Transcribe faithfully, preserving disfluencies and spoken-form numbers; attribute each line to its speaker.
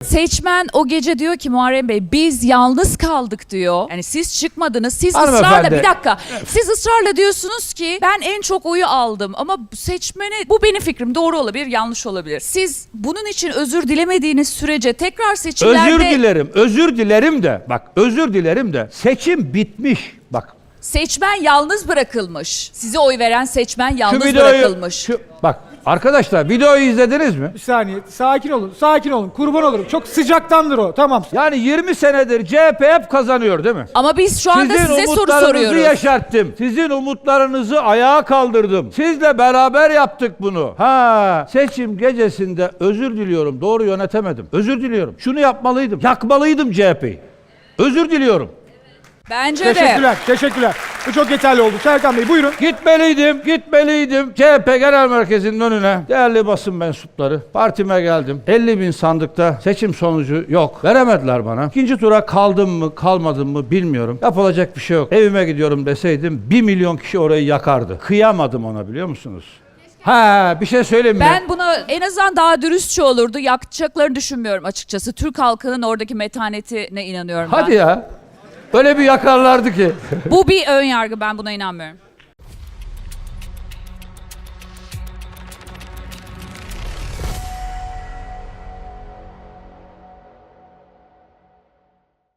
Speaker 1: Seçmen o gece diyor ki Muharrem Bey biz yalnız kaldık diyor. Yani siz çıkmadınız. Siz
Speaker 2: Hanımefendi.
Speaker 1: ısrarla bir dakika. Siz ısrarla diyorsunuz ki ben en çok oyu aldım ama seçmeni bu benim fikrim doğru olabilir yanlış olabilir. Siz bunun için özür dilemediğiniz sürece tekrar seçimlerde...
Speaker 2: Özür dilerim. Özür dilerim de. Bak özür dilerim de. Seçim bitmiş. Bak.
Speaker 1: Seçmen yalnız bırakılmış. Size oy veren seçmen yalnız
Speaker 2: Şu videoyu,
Speaker 1: bırakılmış.
Speaker 2: şu, bak arkadaşlar videoyu izlediniz mi?
Speaker 3: Bir saniye. Sakin olun. Sakin olun. Kurban olurum. Çok sıcaktandır o. Tamam.
Speaker 2: Yani yirmi senedir C H P hep kazanıyor değil mi?
Speaker 1: Ama biz şu anda
Speaker 2: Sizin
Speaker 1: size soru
Speaker 2: umutlarınızı
Speaker 1: soruyoruz.
Speaker 2: yaşarttım. Sizin umutlarınızı ayağa kaldırdım. Sizle beraber yaptık bunu. Ha, seçim gecesinde özür diliyorum. Doğru yönetemedim. Özür diliyorum. Şunu yapmalıydım. Yakmalıydım C H P'yi. Özür diliyorum.
Speaker 1: Bence de.
Speaker 3: Teşekkürler. Teşekkürler. Bu çok yeterli oldu. Serkan Bey buyurun.
Speaker 2: Gitmeliydim, gitmeliydim. C H P Genel Merkezi'nin önüne. Değerli basın mensupları, partime geldim. elli bin sandıkta seçim sonucu yok. Veremediler bana. İkinci tura kaldım mı, kalmadım mı bilmiyorum. Yapılacak bir şey yok. Evime gidiyorum deseydim bir milyon kişi orayı yakardı. Kıyamadım ona biliyor musunuz? Ha, bir şey söyleyeyim mi?
Speaker 1: Ben buna en azından daha dürüstçe olurdu. Yakacaklarını düşünmüyorum açıkçası. Türk halkının oradaki metanetine inanıyorum ben.
Speaker 2: Hadi ya. Öyle bir yakarlardı ki.
Speaker 1: Bu bir ön yargı, ben buna inanmıyorum.